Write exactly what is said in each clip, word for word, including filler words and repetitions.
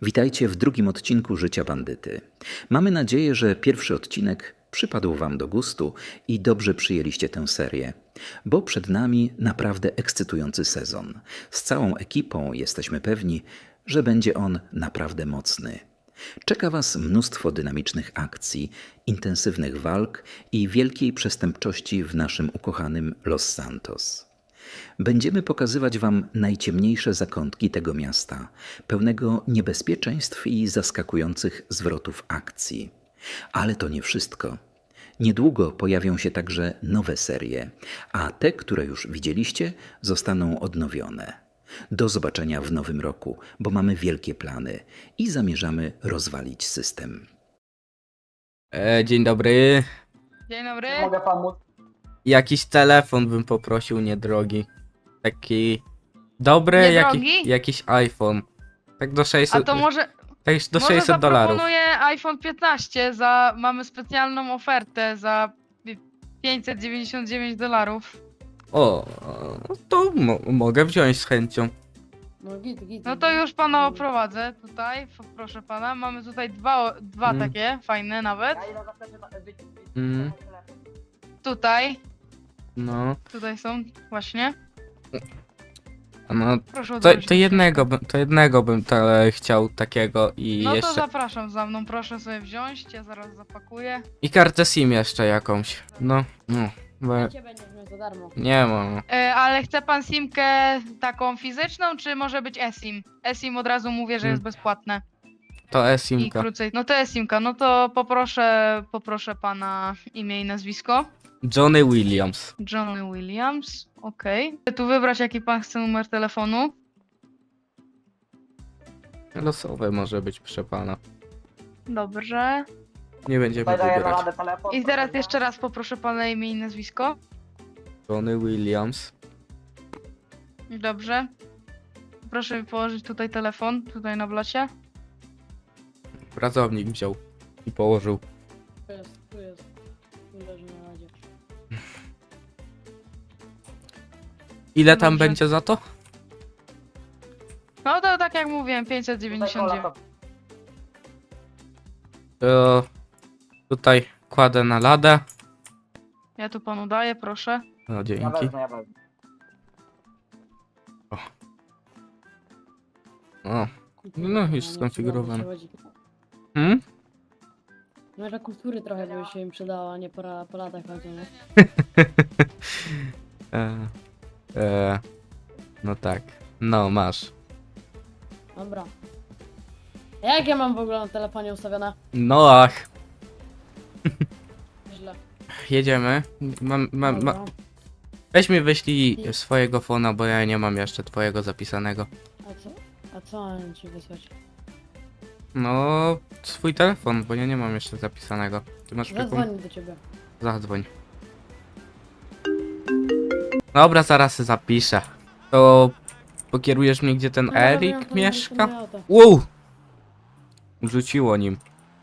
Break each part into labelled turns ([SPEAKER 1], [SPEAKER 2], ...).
[SPEAKER 1] Witajcie w drugim odcinku Życia Bandyty. Mamy nadzieję, że pierwszy odcinek przypadł Wam do gustu i dobrze przyjęliście tę serię, bo przed nami naprawdę ekscytujący sezon. Z całą ekipą jesteśmy pewni, że będzie on naprawdę mocny. Czeka Was mnóstwo dynamicznych akcji, intensywnych walk i wielkiej przestępczości w naszym ukochanym Los Santos. Będziemy pokazywać Wam najciemniejsze zakątki tego miasta, pełnego niebezpieczeństw i zaskakujących zwrotów akcji. Ale to nie wszystko. Niedługo pojawią się także nowe serie, a te, które już widzieliście, zostaną odnowione. Do zobaczenia w nowym roku, bo mamy wielkie plany i zamierzamy rozwalić system.
[SPEAKER 2] E, dzień dobry.
[SPEAKER 3] Dzień dobry.
[SPEAKER 4] Czy mogę pomóc?
[SPEAKER 2] Jakiś telefon bym poprosił niedrogi. Taki dobry, jaki,
[SPEAKER 3] Niedrogi?
[SPEAKER 2] jakiś iPhone. Tak do
[SPEAKER 3] A
[SPEAKER 2] sześćset,
[SPEAKER 3] to może,
[SPEAKER 2] tak do
[SPEAKER 3] może
[SPEAKER 2] sześćset dolarów.
[SPEAKER 3] zaproponuję iPhone piętnaście za, mamy specjalną ofertę za pi- pięćset dziewięćdziesiąt dziewięć dolarów.
[SPEAKER 2] O, no to mo mogę wziąć z chęcią.
[SPEAKER 4] No git, git.
[SPEAKER 3] No to już pana oprowadzę tutaj, p- proszę pana. Mamy tutaj dwa, dwa
[SPEAKER 2] Mm.
[SPEAKER 3] takie, fajne nawet.
[SPEAKER 4] Ja idę zapytać, na- wy- wy-
[SPEAKER 2] Mm.
[SPEAKER 3] Tutaj,
[SPEAKER 2] No,
[SPEAKER 3] tutaj są właśnie.
[SPEAKER 2] a no
[SPEAKER 3] Proszę
[SPEAKER 2] to,
[SPEAKER 3] odwrócić.
[SPEAKER 2] to jednego bym, to jednego bym tele chciał takiego i
[SPEAKER 3] No to
[SPEAKER 2] jeszcze...
[SPEAKER 3] zapraszam za mną, proszę sobie wziąć, ja zaraz zapakuję.
[SPEAKER 2] I kartę SIM jeszcze jakąś. No, no. Bo
[SPEAKER 4] Cię będziesz miał za darmo.
[SPEAKER 2] nie mam.
[SPEAKER 3] E, ale chce pan simkę taką fizyczną, czy może być eSIM? eSIM od razu mówię, że
[SPEAKER 2] Mm.
[SPEAKER 3] jest bezpłatne.
[SPEAKER 2] To
[SPEAKER 3] I
[SPEAKER 2] e-simka.
[SPEAKER 3] krócej. No to jest simka, no to poproszę, poproszę pana imię i nazwisko.
[SPEAKER 2] Johnny Williams.
[SPEAKER 3] Johnny Williams, okej. Chcę tu wybrać jaki pan chce numer telefonu.
[SPEAKER 2] Losowe może być, proszę pana.
[SPEAKER 3] Dobrze.
[SPEAKER 2] Nie będziemy
[SPEAKER 4] Tutaj daję na
[SPEAKER 2] wybierać.
[SPEAKER 4] radę telefon.
[SPEAKER 3] I teraz
[SPEAKER 4] proszę.
[SPEAKER 3] jeszcze raz poproszę pana imię i nazwisko.
[SPEAKER 2] Johnny Williams.
[SPEAKER 3] Dobrze. Proszę mi położyć tutaj telefon, tutaj na blacie.
[SPEAKER 2] Pracownik wziął i położył.
[SPEAKER 4] Tu jest, tu jest. Tu leży na radzie.
[SPEAKER 2] Ile tam
[SPEAKER 3] Dobrze.
[SPEAKER 2] będzie za to?
[SPEAKER 3] No to tak jak mówiłem, pięćset
[SPEAKER 4] Tutaj
[SPEAKER 3] dziewięćdziesiąt
[SPEAKER 4] kola,
[SPEAKER 3] dziewięć.
[SPEAKER 4] to-
[SPEAKER 2] To tutaj kładę na ladę.
[SPEAKER 3] Ja tu panu daję, proszę.
[SPEAKER 2] No
[SPEAKER 4] Ja
[SPEAKER 2] dzięki.
[SPEAKER 4] wezmę, ja wezmę.
[SPEAKER 2] O.
[SPEAKER 4] Kultury
[SPEAKER 2] No,
[SPEAKER 4] trochę,
[SPEAKER 2] już
[SPEAKER 4] nie?
[SPEAKER 2] skonfigurowane.
[SPEAKER 4] Przychodzi-
[SPEAKER 2] Hmm?
[SPEAKER 4] No, że kultury trochę by się im przydała, nie po, ra- po latach chodzi, nie?
[SPEAKER 2] e, e, no tak. No masz.
[SPEAKER 4] Dobra. A jak ja mam w ogóle na telefonie ustawione?
[SPEAKER 2] No ach.
[SPEAKER 4] Źle.
[SPEAKER 2] Jedziemy. Mam, mam,
[SPEAKER 4] Dobra.
[SPEAKER 2] ma, weź mi wyślij swojego fona, bo ja nie mam jeszcze twojego zapisanego.
[SPEAKER 4] A co? A co mam ci wysłać?
[SPEAKER 2] No, swój telefon, bo ja nie mam jeszcze zapisanego. Ty masz przypom...
[SPEAKER 4] Zadzwonię do ciebie.
[SPEAKER 2] Zadzwoń. Dobra, zaraz się zapiszę. To pokierujesz mnie, gdzie ten
[SPEAKER 4] No, dobra, ja
[SPEAKER 2] Erik
[SPEAKER 4] to
[SPEAKER 2] mieszka?
[SPEAKER 4] nie auto.
[SPEAKER 2] Wow! Rzuciło nim.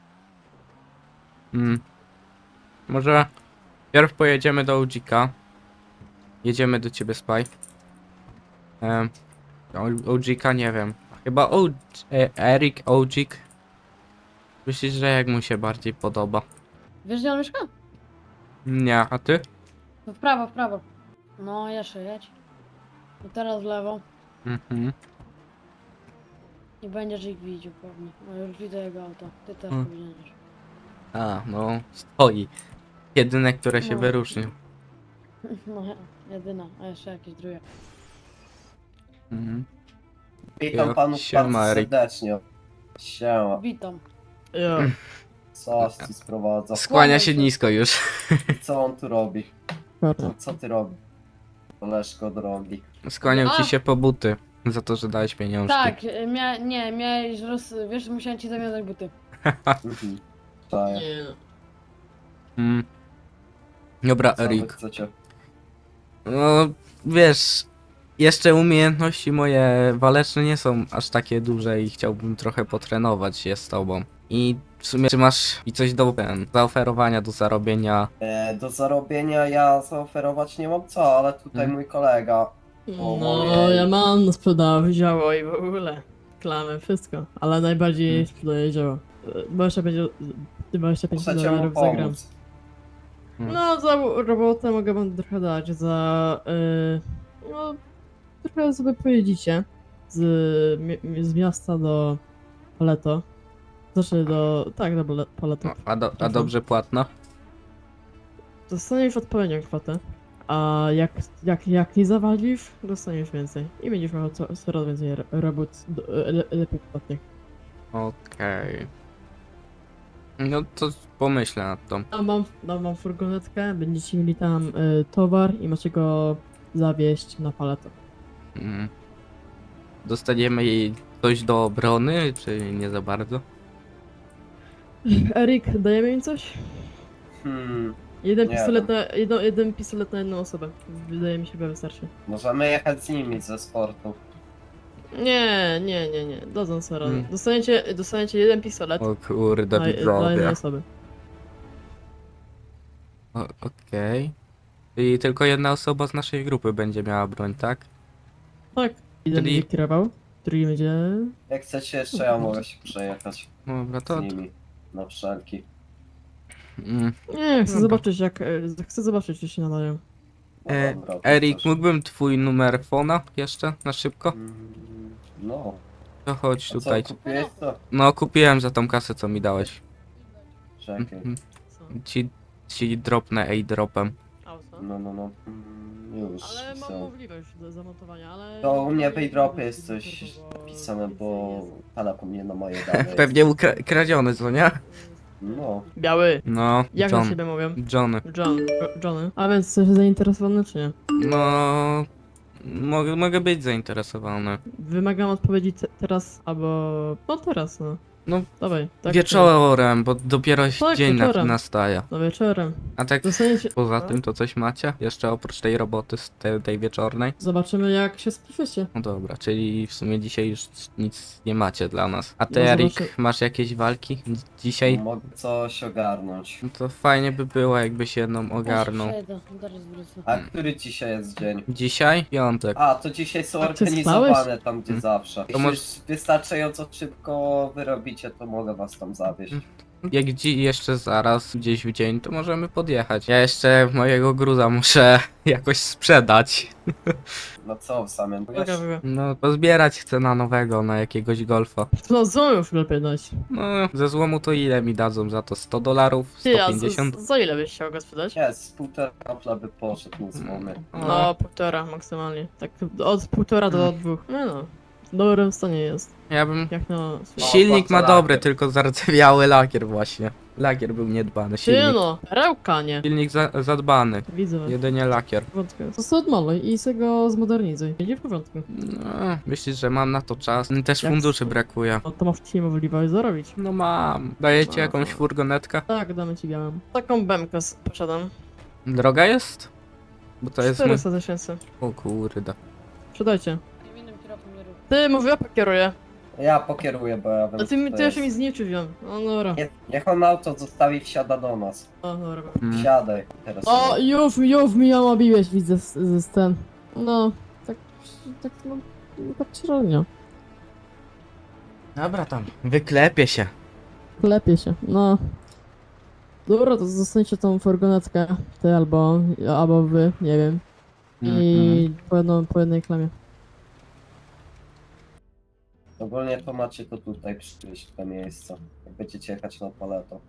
[SPEAKER 2] Hmm. Może pierw pojedziemy do Odzika. Jedziemy do ciebie, Spy. Um, Odzika nie wiem. Chyba o, e, Erik, Odzik. Myślisz, że jak mu się bardziej podoba?
[SPEAKER 4] Wiesz gdzie on mieszka?
[SPEAKER 2] Nie, a ty?
[SPEAKER 4] No w prawo, w prawo. No, jeszcze jedź. I teraz w lewo.
[SPEAKER 2] Mhm.
[SPEAKER 4] I będziesz ich widział pewnie. No już widzę jego auto. Ty też
[SPEAKER 2] Hmm.
[SPEAKER 4] powinieneś.
[SPEAKER 2] A, no, stoi. Jedyne, które się
[SPEAKER 4] No.
[SPEAKER 2] wyróżnił.
[SPEAKER 4] No, jedyna, a jeszcze jakieś drugie.
[SPEAKER 2] Mhm.
[SPEAKER 5] Witam
[SPEAKER 2] Jo,
[SPEAKER 5] panów
[SPEAKER 2] siema,
[SPEAKER 5] bardzo
[SPEAKER 2] Erik.
[SPEAKER 5] serdecznie. Siema.
[SPEAKER 4] Witam.
[SPEAKER 5] Co tu sprowadza?
[SPEAKER 2] Skłania się nisko już.
[SPEAKER 5] Co on tu robi? Co, co ty robisz? Koleżko drogi.
[SPEAKER 2] Skłaniał
[SPEAKER 4] A!
[SPEAKER 2] ci się po buty. Za to, że dałeś pieniążki.
[SPEAKER 4] Tak, y, mia nie, miałeś roz... Wiesz, musiałem ci zawiązać buty.
[SPEAKER 5] Mhm. Czaję.
[SPEAKER 2] Mm. Dobra,
[SPEAKER 5] Co wy
[SPEAKER 2] Erik.
[SPEAKER 5] chcecie?
[SPEAKER 2] No, wiesz, jeszcze umiejętności moje waleczne nie są aż takie duże i chciałbym trochę potrenować się z tobą. I w sumie, czy masz mi coś do ten, zaoferowania, do zarobienia?
[SPEAKER 5] E, do zarobienia ja zaoferować nie mam co, ale tutaj
[SPEAKER 2] Mhm.
[SPEAKER 5] mój kolega. O,
[SPEAKER 6] No,
[SPEAKER 5] moje-
[SPEAKER 6] ja mam na sprzedaży działo i w ogóle.
[SPEAKER 4] klamę, wszystko. Ale najbardziej
[SPEAKER 2] Hmm.
[SPEAKER 4] sprzedaję dzieło. dwadzieścia pięć, dwadzieścia pięć
[SPEAKER 5] Muszę cię mu
[SPEAKER 4] dolarów za gram.
[SPEAKER 5] pomóc.
[SPEAKER 2] Hmm.
[SPEAKER 4] No, za robotę mogę wam trochę dać, za... Yy, no, trochę sobie pojedzicie z, mi- z miasta do Paleto. Znaczy do... tak, do Pale- Paleto.
[SPEAKER 2] No, a, do, a dobrze płatno?
[SPEAKER 4] Dostaniesz odpowiednią kwotę, a jak, jak, jak nie zawalisz, dostaniesz więcej. I będziesz miał co, coraz więcej ro- robót do, le, lepiej płatnych.
[SPEAKER 2] Okej. No to pomyślę nad tą.
[SPEAKER 4] A mam, dam wam furgonetkę, będziecie mieli tam y, towar i macie go zawieźć na Paleto.
[SPEAKER 2] Mm. Dostaniemy jej coś do obrony, czy nie za bardzo?
[SPEAKER 4] Erik, dajemy im coś?
[SPEAKER 5] Hmm,
[SPEAKER 4] Jeden
[SPEAKER 5] Nie
[SPEAKER 4] pistolet na, jedno, jeden pistolet na jedną osobę. Wydaje mi się, że wystarczy.
[SPEAKER 5] możemy jechać z nimi ze sportu.
[SPEAKER 4] Nie, nie, nie, nie. Dadzą sobie radę.
[SPEAKER 2] Mm.
[SPEAKER 4] Dostaniecie, dostaniecie jeden pistolet
[SPEAKER 2] O kurde,
[SPEAKER 4] dla, dla jednej
[SPEAKER 2] widzowie.
[SPEAKER 4] osoby.
[SPEAKER 2] O- Okej. I tylko jedna osoba z naszej grupy będzie miała broń, tak?
[SPEAKER 4] Tak. Jeden
[SPEAKER 2] Czyli-
[SPEAKER 4] będzie kierował, drugi będzie...
[SPEAKER 5] Jak chcecie jeszcze, ja mogę się przejechać
[SPEAKER 2] Dobra,
[SPEAKER 5] z
[SPEAKER 2] to...
[SPEAKER 5] nimi. Na wszelki.
[SPEAKER 2] Mm.
[SPEAKER 4] Nie, chcę
[SPEAKER 2] Dobra.
[SPEAKER 4] zobaczyć jak... e, Chcę zobaczyć, czy się nadają.
[SPEAKER 5] No
[SPEAKER 2] E,
[SPEAKER 5] dobra, to
[SPEAKER 2] Erik,
[SPEAKER 5] też.
[SPEAKER 2] mógłbym twój numer fona jeszcze na szybko?
[SPEAKER 5] Mm, No,
[SPEAKER 2] To chodź
[SPEAKER 5] a
[SPEAKER 2] tutaj.
[SPEAKER 5] co, kupiłeś to?
[SPEAKER 2] No, kupiłem za tą kasę, co mi dałeś.
[SPEAKER 5] Czekaj.
[SPEAKER 2] Mhm.
[SPEAKER 4] Co?
[SPEAKER 2] Ci, ci dropnę A-dropem.
[SPEAKER 4] Auto?
[SPEAKER 5] No, no, no. Mm, Już.
[SPEAKER 4] Ale mam
[SPEAKER 5] są.
[SPEAKER 4] możliwość do zamontowania, ale...
[SPEAKER 5] To u mnie
[SPEAKER 4] nie
[SPEAKER 5] w Aidropie
[SPEAKER 4] będę
[SPEAKER 5] jest coś
[SPEAKER 4] zbyt turbo,
[SPEAKER 5] napisane, bo
[SPEAKER 4] więcej jest.
[SPEAKER 5] telefon nie na moje dane.
[SPEAKER 2] Pewnie ukra- kradziony, co nie?
[SPEAKER 5] No,
[SPEAKER 4] Biały.
[SPEAKER 2] No,
[SPEAKER 4] Jak na
[SPEAKER 2] John.
[SPEAKER 4] siebie mówią?
[SPEAKER 2] Johnny.
[SPEAKER 4] John. Johnny. A więc jesteś zainteresowany, czy nie?
[SPEAKER 2] No... Mogę, mogę być zainteresowany.
[SPEAKER 4] Wymagam odpowiedzi te teraz, albo... No teraz, no.
[SPEAKER 2] No,
[SPEAKER 4] Dawaj. Tak,
[SPEAKER 2] Wieczorem, bo dopiero
[SPEAKER 4] Tak,
[SPEAKER 2] dzień na,
[SPEAKER 4] wieczorem.
[SPEAKER 2] nastaje.
[SPEAKER 4] No wieczorem.
[SPEAKER 2] A tak
[SPEAKER 4] Dostaniecie...
[SPEAKER 2] poza
[SPEAKER 4] No.
[SPEAKER 2] tym to coś macie? Jeszcze oprócz tej roboty z te, tej wieczornej?
[SPEAKER 4] Zobaczymy jak się spiszecie.
[SPEAKER 2] No dobra, czyli w sumie dzisiaj już nic nie macie dla nas. A ty,
[SPEAKER 4] No
[SPEAKER 2] Erik,
[SPEAKER 4] zobaczy-
[SPEAKER 2] masz jakieś walki dzisiaj?
[SPEAKER 5] mogę coś ogarnąć.
[SPEAKER 2] No to fajnie by było, jakbyś jedną ogarnął.
[SPEAKER 4] Zaraz wrócę.
[SPEAKER 5] A który dzisiaj jest dzień?
[SPEAKER 2] Dzisiaj? Piątek.
[SPEAKER 5] A, to dzisiaj są
[SPEAKER 4] A ty
[SPEAKER 5] organizowane
[SPEAKER 4] spałeś?
[SPEAKER 5] tam, gdzie
[SPEAKER 2] Hmm.
[SPEAKER 5] zawsze. Jeśli
[SPEAKER 2] może-
[SPEAKER 5] już wystarczająco szybko wyrobicie, to mogę was tam zawieźć.
[SPEAKER 2] Jak dzi jeszcze zaraz, gdzieś w dzień, to możemy podjechać. Ja jeszcze mojego gruza muszę jakoś sprzedać.
[SPEAKER 5] No co, w samym wiesz?
[SPEAKER 4] Uwaga, uwaga.
[SPEAKER 2] No, pozbierać chcę na nowego, na jakiegoś golfa.
[SPEAKER 4] No co już lepiej dać?
[SPEAKER 2] No, ze złomu to ile mi dadzą za to? sto dolarów?
[SPEAKER 4] Ty, a
[SPEAKER 2] sto pięćdziesiąt?
[SPEAKER 4] za, za ile byś chciał go sprzedać?
[SPEAKER 5] Nie, z półtora kapla by poszedł na złomy.
[SPEAKER 4] No, półtora maksymalnie. Tak od półtora do
[SPEAKER 2] Hmm.
[SPEAKER 4] dwóch. No no. W dobrym stanie jest.
[SPEAKER 2] Ja bym...
[SPEAKER 4] Jak na...
[SPEAKER 5] No,
[SPEAKER 2] Silnik ma
[SPEAKER 5] bardzo
[SPEAKER 2] dobry,
[SPEAKER 5] lakier.
[SPEAKER 2] tylko zardzewiały lakier właśnie. Lakier był niedbany,
[SPEAKER 4] Ty
[SPEAKER 2] silnik.
[SPEAKER 4] no, perełka nie.
[SPEAKER 2] Silnik za zadbany,
[SPEAKER 4] Widzę.
[SPEAKER 2] jedynie lakier.
[SPEAKER 4] W porządku. To sobie odmaluj i sobie go zmodernizuj. Będzie w porządku.
[SPEAKER 2] No, myślisz, że mam na to czas? Też
[SPEAKER 4] Jak
[SPEAKER 2] funduszy
[SPEAKER 4] to?
[SPEAKER 2] brakuje.
[SPEAKER 4] No to masz dzisiaj możliwość zarobić.
[SPEAKER 2] No mam. Dajecie
[SPEAKER 4] No.
[SPEAKER 2] jakąś furgonetkę?
[SPEAKER 4] Tak, damy ci białą. Taką bemkę s- posiadam.
[SPEAKER 2] Droga jest? Bo to jest mój...
[SPEAKER 4] czterysta tysięcy.
[SPEAKER 2] O kurde.
[SPEAKER 4] Sprzedajcie. Ty, mówię, ja pokieruję.
[SPEAKER 5] Ja pokieruję, bo ja wiem,
[SPEAKER 4] A ty,
[SPEAKER 5] co
[SPEAKER 4] mi-
[SPEAKER 5] to
[SPEAKER 4] ty jeszcze
[SPEAKER 5] jest.
[SPEAKER 4] mi zniczy wziąłem. No dobra.
[SPEAKER 5] Nie, niech on auto zostawi, wsiada do nas.
[SPEAKER 4] O, dobra.
[SPEAKER 2] Mm.
[SPEAKER 5] Wsiadaj. Teraz
[SPEAKER 4] O, już, już mi ją obiłeś, widzę z, z, z ten. No, tak, tak, no, tak średnio.
[SPEAKER 2] Dobra tam. Wyklepie się.
[SPEAKER 4] Klepie się, no. Dobra, to zostańcie tą furgonetkę, ty albo, albo wy, nie wiem. I po, jedną, po jednej klamie.
[SPEAKER 5] Ogólnie to macie to tutaj przyjść, te miejsca. Jak będziecie jechać na paleto.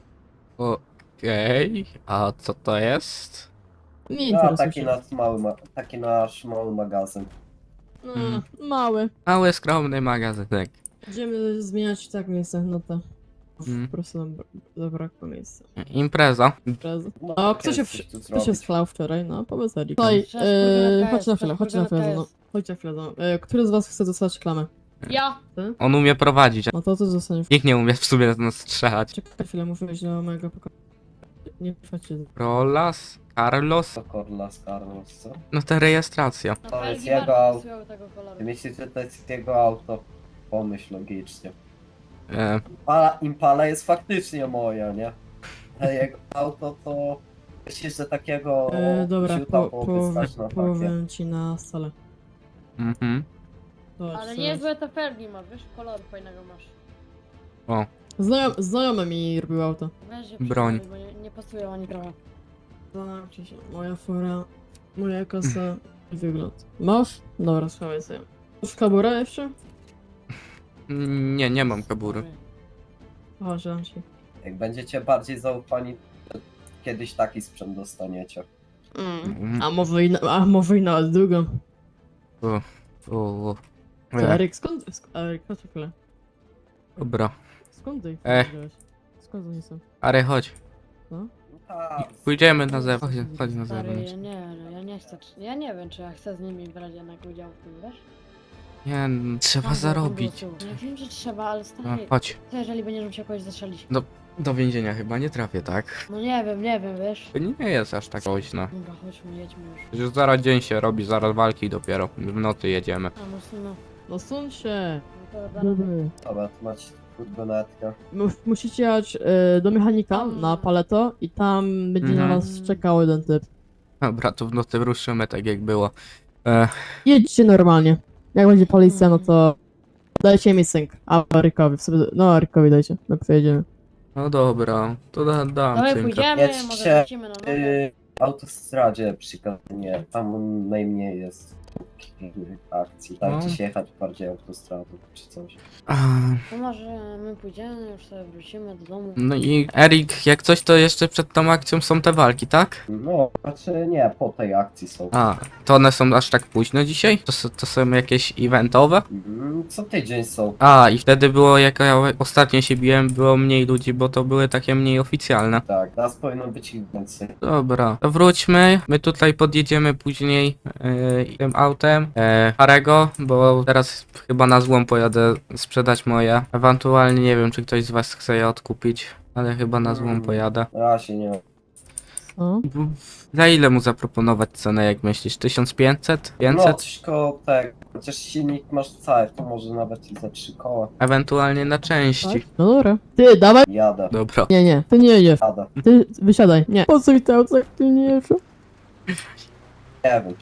[SPEAKER 2] Okej. A co to jest?
[SPEAKER 4] Nie
[SPEAKER 5] No,
[SPEAKER 4] interesuje
[SPEAKER 5] taki
[SPEAKER 4] się.
[SPEAKER 5] nasz mały, ma- taki nasz mały magazyn.
[SPEAKER 4] No,
[SPEAKER 2] Mm.
[SPEAKER 4] mały.
[SPEAKER 2] Mały, skromny magazynek.
[SPEAKER 4] Będziemy zmieniać tak miejsce, no to.
[SPEAKER 2] Mm.
[SPEAKER 4] Po prostu nam bra- zabrakło miejsca.
[SPEAKER 2] Impreza.
[SPEAKER 4] Imprezy.
[SPEAKER 5] No,
[SPEAKER 4] O,
[SPEAKER 5] tak
[SPEAKER 4] kto się,
[SPEAKER 5] jest, coś tu
[SPEAKER 4] kto się
[SPEAKER 5] zrobić.
[SPEAKER 4] schlał wczoraj? No, powiedz Erik. Słuchaj,
[SPEAKER 6] Przecież
[SPEAKER 4] e,
[SPEAKER 6] furgonetka
[SPEAKER 4] chodź
[SPEAKER 6] jest,
[SPEAKER 4] na chwilę,
[SPEAKER 6] przecież
[SPEAKER 4] chodź na chwilę,
[SPEAKER 6] furgonetka
[SPEAKER 4] no.
[SPEAKER 6] jest.
[SPEAKER 4] Chodź na chwilę, no. E, który z was chce dostać klamę?
[SPEAKER 6] Ja!
[SPEAKER 2] On umie prowadzić.
[SPEAKER 4] No to ty zostaniesz.
[SPEAKER 2] Nikt nie umie w sumie na nas strzelać.
[SPEAKER 4] Czekaj chwilę, muszę wejść do mojego pokoju. Nie wchodźcie.
[SPEAKER 2] Rolas? Carlos?
[SPEAKER 5] To Corlas Carlos, co?
[SPEAKER 2] No ta rejestracja.
[SPEAKER 6] Na
[SPEAKER 5] To jest
[SPEAKER 6] felgi
[SPEAKER 5] jego
[SPEAKER 6] bardzo
[SPEAKER 5] auto.
[SPEAKER 6] pasują tego koloru.
[SPEAKER 5] Ty myślisz, że to jest jego auto? Pomyśl logicznie.
[SPEAKER 2] E,
[SPEAKER 5] Impala, Impala jest faktycznie moja, nie? A jego auto to... Myślisz, że takiego
[SPEAKER 4] E, dobra,
[SPEAKER 5] ziuta
[SPEAKER 4] po,
[SPEAKER 5] byłoby
[SPEAKER 4] połowę,
[SPEAKER 5] stać na takie?
[SPEAKER 4] połowę ci na stole.
[SPEAKER 2] mhm.
[SPEAKER 4] Zobacz,
[SPEAKER 6] Ale
[SPEAKER 4] zobacz.
[SPEAKER 6] niezłe to Ferdi ma, wiesz, koloru fajnego masz.
[SPEAKER 2] O,
[SPEAKER 4] Znajom, znajomy mi robił auto.
[SPEAKER 6] Weź je
[SPEAKER 2] Broń.
[SPEAKER 6] przyjmuj, bo nie, nie pasują ani trochę.
[SPEAKER 4] Zastanawiam się, moja fura, moja kasa i wygląd. Masz? Dobra, schowaj sobie. Masz kaburę jeszcze?
[SPEAKER 2] nie, nie mam kabury.
[SPEAKER 4] Chodź, dam ci.
[SPEAKER 5] Jak będziecie bardziej zaufani, to kiedyś taki sprzęt dostaniecie.
[SPEAKER 4] Mm.
[SPEAKER 2] Mm.
[SPEAKER 4] A może i, na, a może i nawet drugą.
[SPEAKER 2] O, o, o.
[SPEAKER 4] To
[SPEAKER 2] E,
[SPEAKER 4] Eryk, skąd? Sk Eryk, chodź chwilę.
[SPEAKER 2] Dobra.
[SPEAKER 4] Skąd ty ich
[SPEAKER 2] E.
[SPEAKER 4] wziąłeś? Skąd oni są?
[SPEAKER 2] Ale chodź.
[SPEAKER 5] No tak,
[SPEAKER 2] Pójdziemy na zewnątrz. Chodź, chodź na
[SPEAKER 6] Stary,
[SPEAKER 2] zewnątrz.
[SPEAKER 6] ja nie, no, ja nie chcę, ja nie wiem, czy ja chcę z nimi brać jednak udział w tym, wiesz?
[SPEAKER 2] Nie, n- trzeba
[SPEAKER 6] Tam było
[SPEAKER 2] zarobić.
[SPEAKER 6] tyłu. Ja wiem, że trzeba, ale
[SPEAKER 2] No,
[SPEAKER 6] stary,
[SPEAKER 2] chodź.
[SPEAKER 6] co jeżeli będziemy się jakoś zastrzelić?
[SPEAKER 2] Do więzienia chyba nie trafię, tak?
[SPEAKER 6] No nie wiem, nie wiem, wiesz?
[SPEAKER 2] To nie jest aż tak groźno.
[SPEAKER 6] Dobra, chodźmy, jedźmy już.
[SPEAKER 2] Przecież zaraz dzień się robi, zaraz walki dopiero. W nocy jedziemy.
[SPEAKER 6] A, no, no,
[SPEAKER 4] No suń się!
[SPEAKER 6] no to zaraz.
[SPEAKER 5] dobra, tu macie furgonetkę.
[SPEAKER 4] Mus- Musicie jechać y, do mechanika na paleto i tam będzie
[SPEAKER 2] Mhm.
[SPEAKER 4] na was czekał jeden typ.
[SPEAKER 2] Dobra, to w nocy ruszymy tak jak było. E,
[SPEAKER 4] Jedźcie normalnie. Jak będzie policja, no to dajcie mi synk. A Erykowi, w sobie, no Erykowi dajcie, my pojedziemy.
[SPEAKER 2] no dobra, to da, dam
[SPEAKER 6] Dawaj,
[SPEAKER 2] cynka.
[SPEAKER 6] pójdziemy,
[SPEAKER 5] Jedźcie,
[SPEAKER 6] może wrócimy na nogę.
[SPEAKER 5] Yy, w autostradzie przykazanie, tam najmniej jest akcji. Dajcie
[SPEAKER 2] No.
[SPEAKER 5] się jechać bardziej autostradą czy coś.
[SPEAKER 2] A,
[SPEAKER 6] To może my pójdziemy, już sobie wrócimy do domu.
[SPEAKER 2] no i Erik, jak coś to jeszcze przed tą akcją są te walki, tak?
[SPEAKER 5] No, znaczy nie, po tej akcji są.
[SPEAKER 2] A, to one są aż tak późno dzisiaj? To, s- to są jakieś eventowe?
[SPEAKER 5] Mm, Co tydzień są.
[SPEAKER 2] A, i wtedy było, jak ja ostatnio się biłem, było mniej ludzi, bo to były takie mniej oficjalne.
[SPEAKER 5] Tak, teraz powinno być ich więcej.
[SPEAKER 2] Dobra, to wróćmy. My tutaj podjedziemy później yy, tym autem yy, Harego, bo teraz chyba na złom pojadę sprzedać moje. Ewentualnie nie wiem, czy ktoś z was chce je odkupić, ale chyba na złom
[SPEAKER 5] Mm.
[SPEAKER 2] pojadę.
[SPEAKER 5] Na razie nie.
[SPEAKER 4] Co?
[SPEAKER 2] Za ile mu zaproponować cenę, jak myślisz? tysiąc pięćset?
[SPEAKER 5] No,
[SPEAKER 2] pięćset?
[SPEAKER 5] coś koło tego. Chociaż silnik masz cały, to może nawet i za trzy koła.
[SPEAKER 2] Ewentualnie na części.
[SPEAKER 4] Tak? No dobra. Ty, dawaj!
[SPEAKER 5] Jadę,
[SPEAKER 2] Dobra.
[SPEAKER 4] Nie, nie, ty nie jedziesz.
[SPEAKER 5] jadę.
[SPEAKER 4] Ty wysiadaj. Nie. Po co ich te auto, jak ty nie jedziesz?
[SPEAKER 5] Nie wiem.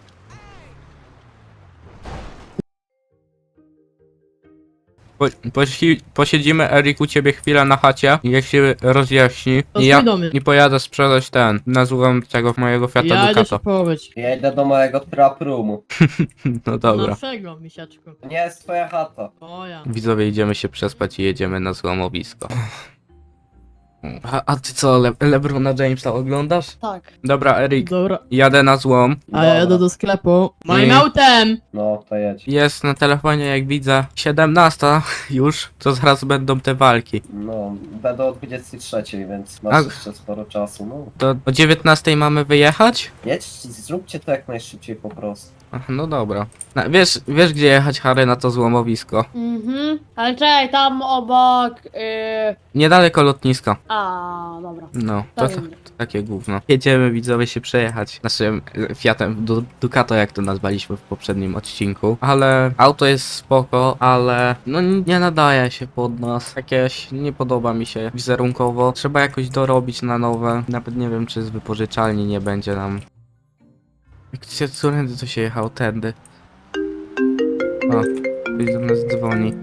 [SPEAKER 2] Po, posi, posiedzimy, Erik, u ciebie chwilę na chacie, niech się rozjaśni.
[SPEAKER 4] To
[SPEAKER 2] I ja
[SPEAKER 4] do mnie.
[SPEAKER 2] i pojadę sprzedać ten, na złom tego mojego Fiata
[SPEAKER 4] Ja idę się
[SPEAKER 2] Ducato.
[SPEAKER 4] połowić.
[SPEAKER 5] Ja idę do mojego trap roomu.
[SPEAKER 2] No dobra.
[SPEAKER 4] Naszego, misiaczku.
[SPEAKER 5] To nie jest twoja chata.
[SPEAKER 4] Moja.
[SPEAKER 2] Widzowie, idziemy się przespać i jedziemy na złomowisko. A, a ty co, Le Lebrona Jamesa oglądasz?
[SPEAKER 6] Tak.
[SPEAKER 2] Dobra, Erik,
[SPEAKER 4] Dobra.
[SPEAKER 2] jadę na złom.
[SPEAKER 4] A ja jadę
[SPEAKER 5] Dobra.
[SPEAKER 4] do sklepu. Moim
[SPEAKER 2] Nie.
[SPEAKER 4] autem!
[SPEAKER 5] No, to jedź.
[SPEAKER 2] Jest na telefonie, jak widzę, siedemnasta już, to zaraz będą te walki.
[SPEAKER 5] No, będę o dwudziestej trzeciej, więc masz
[SPEAKER 2] A-
[SPEAKER 5] jeszcze sporo czasu. No,
[SPEAKER 2] To o dziewiętnastej mamy wyjechać?
[SPEAKER 5] jedź, zróbcie to jak najszybciej po prostu.
[SPEAKER 2] Ach, no dobra. Na, wiesz, wiesz gdzie jechać, Harry, na to złomowisko?
[SPEAKER 6] Mhm. Ale czekaj, tam obok. Yy...
[SPEAKER 2] Niedaleko lotniska.
[SPEAKER 6] A, dobra.
[SPEAKER 2] No, to,
[SPEAKER 6] To
[SPEAKER 2] to,
[SPEAKER 6] wiem.
[SPEAKER 2] to takie gówno. Jedziemy, widzowie, się przejechać naszym e, Fiatem Du Ducato, jak to nazwaliśmy w poprzednim odcinku. Ale auto jest spoko, ale no nie nadaje się pod nas. Jakieś nie podoba mi się wizerunkowo. Trzeba jakoś dorobić na nowe. Nawet nie wiem, czy z wypożyczalni nie będzie nam. Jak się którędy to się jechał? Tędy. O, ktoś do nas dzwoni.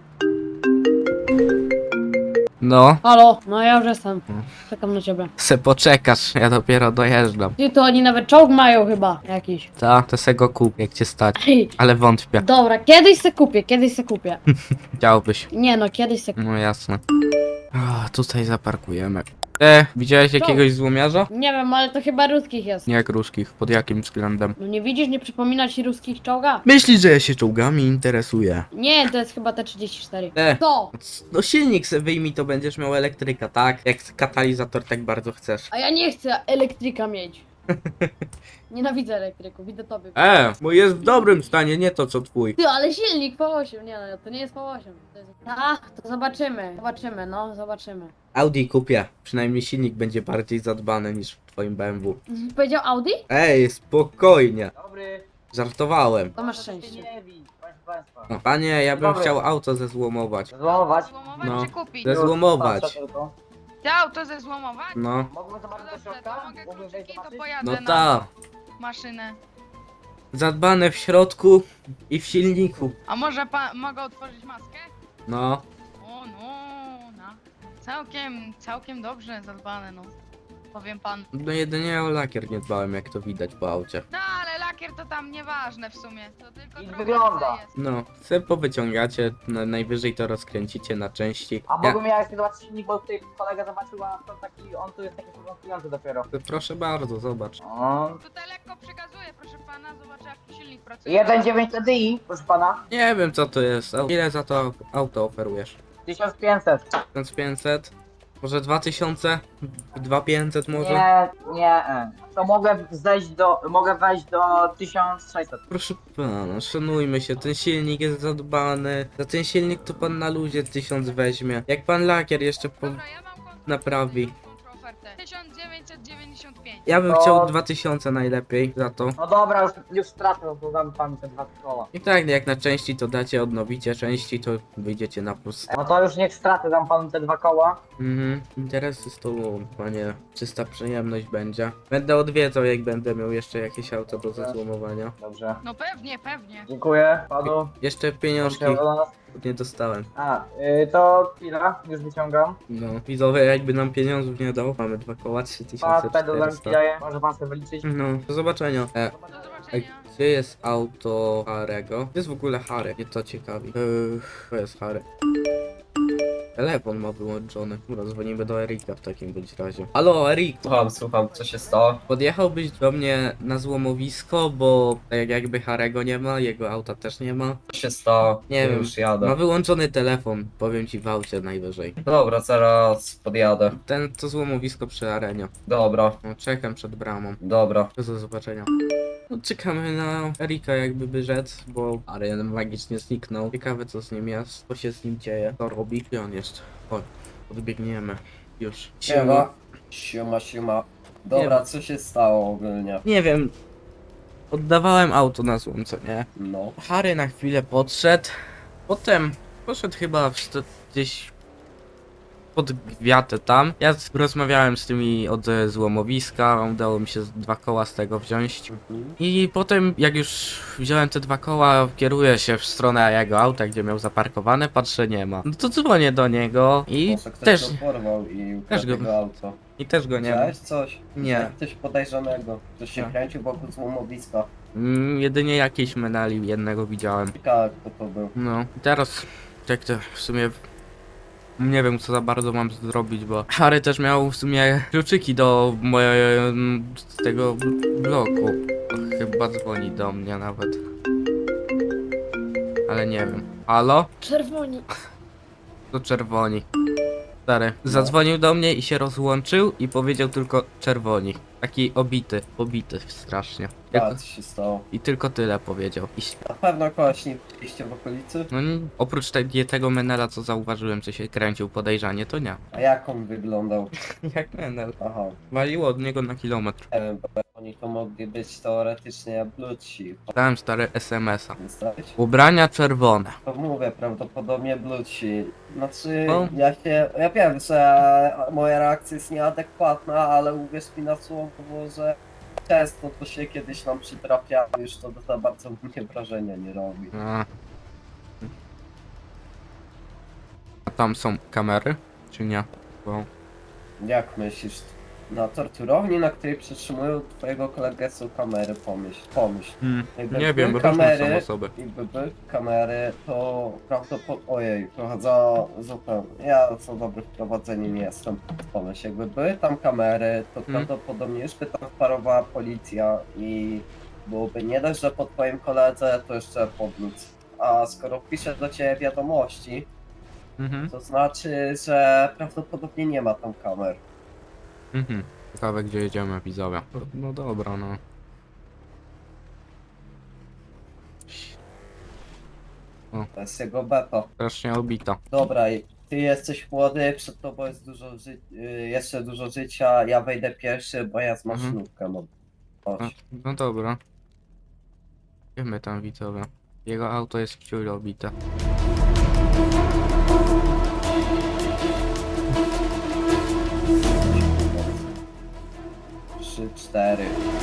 [SPEAKER 2] No,
[SPEAKER 6] Halo, no ja już jestem.
[SPEAKER 2] Hmm.
[SPEAKER 6] Czekam na ciebie.
[SPEAKER 2] se poczekasz, ja dopiero dojeżdżam.
[SPEAKER 6] Ty, to oni nawet czołg mają chyba jakiś.
[SPEAKER 2] Ta, to se go kup, jak cię stać.
[SPEAKER 6] Ej,
[SPEAKER 2] Ale wątpię.
[SPEAKER 6] dobra, kiedyś se kupię, kiedyś se kupię.
[SPEAKER 2] Chciałbyś.
[SPEAKER 6] Nie no, kiedyś se kupię.
[SPEAKER 2] No jasne. O, tutaj zaparkujemy. E, widziałeś jakiegoś złomiarza?
[SPEAKER 6] Nie wiem, ale to chyba ruskich jest.
[SPEAKER 2] Nie jak ruskich, pod jakim względem?
[SPEAKER 6] No nie widzisz, nie przypomina ci ruskich czołga?
[SPEAKER 2] Myślisz, że ja się czołgami interesuję?
[SPEAKER 6] Nie, to jest chyba T trzydzieści cztery.
[SPEAKER 2] E,
[SPEAKER 6] To!
[SPEAKER 2] no silnik se wyjmij, to będziesz miał elektryka, tak? Jak katalizator tak bardzo chcesz.
[SPEAKER 6] A ja nie chcę elektryka mieć. Nienawidzę elektryków, widzę tobie.
[SPEAKER 2] E, bo jest w dobrym stanie, nie to co twój.
[SPEAKER 6] Ty, ale silnik po osiem, nie no, to nie jest po osiem. To jest... A, to zobaczymy, zobaczymy, no, zobaczymy.
[SPEAKER 2] Audi kupię, przynajmniej silnik będzie bardziej zadbany niż w twoim B M W.
[SPEAKER 6] Powiedział Audi?
[SPEAKER 2] Ej, spokojnie.
[SPEAKER 5] Dobry,
[SPEAKER 2] Żartowałem.
[SPEAKER 6] To masz szczęście.
[SPEAKER 5] nie bij, proszę państwa.
[SPEAKER 2] No, panie, ja bym
[SPEAKER 5] Dobry.
[SPEAKER 2] chciał auto zezłomować.
[SPEAKER 5] Złamować?
[SPEAKER 3] Złomować
[SPEAKER 2] No.
[SPEAKER 3] czy kupić?
[SPEAKER 2] Zezłomować.
[SPEAKER 5] tylko.
[SPEAKER 3] Ty auto zezłomować?
[SPEAKER 2] No.
[SPEAKER 5] Mógłbym
[SPEAKER 3] No
[SPEAKER 5] zobaczyć do
[SPEAKER 3] dobrze,
[SPEAKER 5] środka?
[SPEAKER 3] to mogę
[SPEAKER 5] Mógłbym
[SPEAKER 3] kluczyki,
[SPEAKER 5] wejść
[SPEAKER 3] to
[SPEAKER 5] zobaczyć?
[SPEAKER 3] pojadę
[SPEAKER 2] No
[SPEAKER 3] na
[SPEAKER 2] ta.
[SPEAKER 3] maszynę.
[SPEAKER 2] zadbane w środku i w silniku.
[SPEAKER 3] A może pan, mogę otworzyć maskę?
[SPEAKER 2] No,
[SPEAKER 3] O no, no. Całkiem, całkiem dobrze zadbane, no. Powiem pan.
[SPEAKER 2] no jedynie o lakier nie dbałem, jak to widać po aucie.
[SPEAKER 3] No ale lakier to tam nieważne w sumie. To tylko
[SPEAKER 7] I
[SPEAKER 3] trochę
[SPEAKER 7] wygląda.
[SPEAKER 3] jest.
[SPEAKER 2] No, se powyciągacie, na, najwyżej to rozkręcicie na części.
[SPEAKER 7] A
[SPEAKER 2] Ja,
[SPEAKER 7] mogłem ja jeszcze zobaczyć silnik, bo tutaj kolega zobaczył, a to taki, on tu jest taki porządkujący dopiero.
[SPEAKER 2] to proszę bardzo, zobacz.
[SPEAKER 7] O.
[SPEAKER 3] Tutaj lekko przekazuję, proszę pana, zobaczę jak tu silnik pracuje.
[SPEAKER 7] jeden dziewięć T D I, proszę pana.
[SPEAKER 2] Nie wiem co to jest, a ile za to auto oferujesz?
[SPEAKER 7] tysiąc pięćset.
[SPEAKER 2] tysiąc pięćset? Może dwa tysiące? dwa tysiące pięćset może?
[SPEAKER 7] Nie, nie. e. To mogę zejść do, mogę wejść do tysiąc sześćset.
[SPEAKER 2] Proszę pana, szanujmy się, ten silnik jest zadbany. Za ten silnik to pan na luzie tysiąc weźmie. Jak pan lakier jeszcze po...
[SPEAKER 3] Dobra, ja mam kontrakt,
[SPEAKER 2] naprawi.
[SPEAKER 3] mam kontraofertę. tysiąc dziewięćset dziewięćdziesiąt pięć.
[SPEAKER 2] Ja bym
[SPEAKER 7] To-
[SPEAKER 2] chciał dwa tysiące najlepiej za to.
[SPEAKER 7] No dobra, już, już stracę, bo dam panu te dwa koła.
[SPEAKER 2] I tak, jak na części to dacie, odnowicie części, to wyjdziecie na plus.
[SPEAKER 7] No to już niech stracę, dam panu te dwa koła.
[SPEAKER 2] Mhm, interesy z tobą, panie. Czysta przyjemność będzie. Będę odwiedzał, jak będę miał jeszcze jakieś auto do zezłomowania.
[SPEAKER 7] Dobrze.
[SPEAKER 3] No pewnie, pewnie.
[SPEAKER 7] Dziękuję panu.
[SPEAKER 2] Jeszcze pieniążki
[SPEAKER 7] Do nas.
[SPEAKER 2] nie dostałem.
[SPEAKER 7] A, y, to chwila, już wyciągam.
[SPEAKER 2] No, widzowie, jakby nam pieniążów nie dał, mamy dwa koła, trzy tysiące
[SPEAKER 7] Pan pedał nam
[SPEAKER 2] czterysta.
[SPEAKER 7] daje, może pan sobie wyliczyć.
[SPEAKER 2] No, do zobaczenia. E,
[SPEAKER 3] Do
[SPEAKER 2] a
[SPEAKER 3] zobaczenia.
[SPEAKER 2] gdzie jest auto Harego? Gdzie jest w ogóle Harry? Mnie to ciekawi. Yy, to jest Harry. Telefon ma wyłączony. Dobra, dzwonimy do Erika w takim bądź razie. Halo, Erik!
[SPEAKER 5] Słucham, słucham, co się stało?
[SPEAKER 2] Podjechałbyś do mnie na złomowisko, bo tak jakby Harego nie ma, jego auta też nie ma.
[SPEAKER 5] Co się stało?
[SPEAKER 2] Nie wiem.
[SPEAKER 5] Już jadę.
[SPEAKER 2] Ma wyłączony telefon, powiem ci w aucie najwyżej.
[SPEAKER 5] Dobra, zaraz podjadę.
[SPEAKER 2] Ten to złomowisko przy arenie.
[SPEAKER 5] Dobra,
[SPEAKER 2] No, czekam przed bramą.
[SPEAKER 5] dobra.
[SPEAKER 2] Do zobaczenia. No, czekamy na Erika jakby by rzec, bo Ariel magicznie zniknął. Ciekawe co z nim jest, co się z nim dzieje, co robi. Gdzie on jest? Chodź, podbiegniemy. Już.
[SPEAKER 5] Siema. Siema, siema. Dobra, co się stało ogólnie?
[SPEAKER 2] Nie wiem. Oddawałem auto na złom, co nie?
[SPEAKER 5] No.
[SPEAKER 2] Harry na chwilę podszedł. Potem poszedł chyba w sto, gdzieś pod gwiatę tam. Ja z- rozmawiałem z tymi od e, złomowiska, udało mi się z- dwa koła z tego wziąć.
[SPEAKER 5] Mhm.
[SPEAKER 2] I potem jak już wziąłem te dwa koła, kieruję się w stronę jego auta, gdzie miał zaparkowane, patrzę nie ma. No to dzwonię do niego i
[SPEAKER 5] Może ktoś
[SPEAKER 2] też,
[SPEAKER 5] go porwał i
[SPEAKER 2] też
[SPEAKER 5] ukradł
[SPEAKER 2] go-
[SPEAKER 5] jego auto.
[SPEAKER 2] i też go nie ma.
[SPEAKER 5] Widziałeś coś?
[SPEAKER 2] Nie.
[SPEAKER 5] Widziałeś Coś podejrzanego. Ktoś się
[SPEAKER 2] Tak.
[SPEAKER 5] kręcił wokół złomowiska.
[SPEAKER 2] Mm, jedynie jakieś menali jednego widziałem.
[SPEAKER 5] Ciekawe kto to był.
[SPEAKER 2] No, i teraz jak to w sumie nie wiem co za bardzo mam zrobić, bo Harry też miał w sumie kluczyki do mojego z tego bl- bloku. Chyba dzwoni do mnie nawet. Ale nie wiem. Halo?
[SPEAKER 6] Czerwoni.
[SPEAKER 2] To czerwoni. Stary, zadzwonił do mnie i się rozłączył i powiedział tylko czerwoni. Taki obity, pobity strasznie.
[SPEAKER 5] A,
[SPEAKER 2] Jako,
[SPEAKER 5] co się stało?
[SPEAKER 2] I tylko tyle powiedział. I
[SPEAKER 5] Na pewno kogoś nie widzieliście w okolicy?
[SPEAKER 2] no nie- oprócz te, tego menela co zauważyłem, co się kręcił podejrzanie, to nie.
[SPEAKER 5] A jak on wyglądał?
[SPEAKER 2] Jak menel?
[SPEAKER 5] Aha.
[SPEAKER 2] Waliło od niego na kilometr.
[SPEAKER 5] Nie wiem, bo oni to mogli być teoretycznie bluci.
[SPEAKER 2] Dałem stary es em es a.
[SPEAKER 5] Zostałeś?
[SPEAKER 2] Ubrania czerwone.
[SPEAKER 5] To mówię, prawdopodobnie bluci. Znaczy,
[SPEAKER 2] No.
[SPEAKER 5] ja się, ja wiem, że moja reakcja jest nieadekwatna, ale uwierz mi na słowo, że często to się kiedyś nam przytrafia, już to za bardzo mnie wrażenia nie robi.
[SPEAKER 2] A. A tam są kamery? Czy nie? Bo...
[SPEAKER 5] Jak myślisz, na torturowni, na której przetrzymują twojego kolegę są kamery, pomyśl, pomyśl. Jakby
[SPEAKER 2] Nie wiem,
[SPEAKER 5] były
[SPEAKER 2] bo różne są
[SPEAKER 5] kamery,
[SPEAKER 2] osoby.
[SPEAKER 5] Jakby były kamery, to prawdopodobnie, ojej, trochę za zupełnie, ja za dobry w prowadzeniu nie jestem. Pomyśl, jakby były tam kamery, to
[SPEAKER 2] Hmm.
[SPEAKER 5] prawdopodobnie już by tam wparowała policja i byłoby nie dość, że po twoim koledze, to jeszcze podnic. A skoro piszę do ciebie wiadomości,
[SPEAKER 2] Mhm.
[SPEAKER 5] to znaczy, że prawdopodobnie nie ma tam kamer.
[SPEAKER 2] Mhm. Ciekawe gdzie jedziemy, widzowie. No, no dobra, no.
[SPEAKER 5] To jest jego beta.
[SPEAKER 2] Strasznie obita.
[SPEAKER 5] Dobra, i ty jesteś młody, przed tobą jest dużo ży- y, jeszcze dużo życia, ja wejdę pierwszy, bo ja z
[SPEAKER 2] Mhm.
[SPEAKER 5] maszynówkę mam.
[SPEAKER 2] No,
[SPEAKER 5] Chodź.
[SPEAKER 2] no dobra. Wiemy tam widzowie. Jego auto jest wciąż obite.
[SPEAKER 5] Trzy, cztery.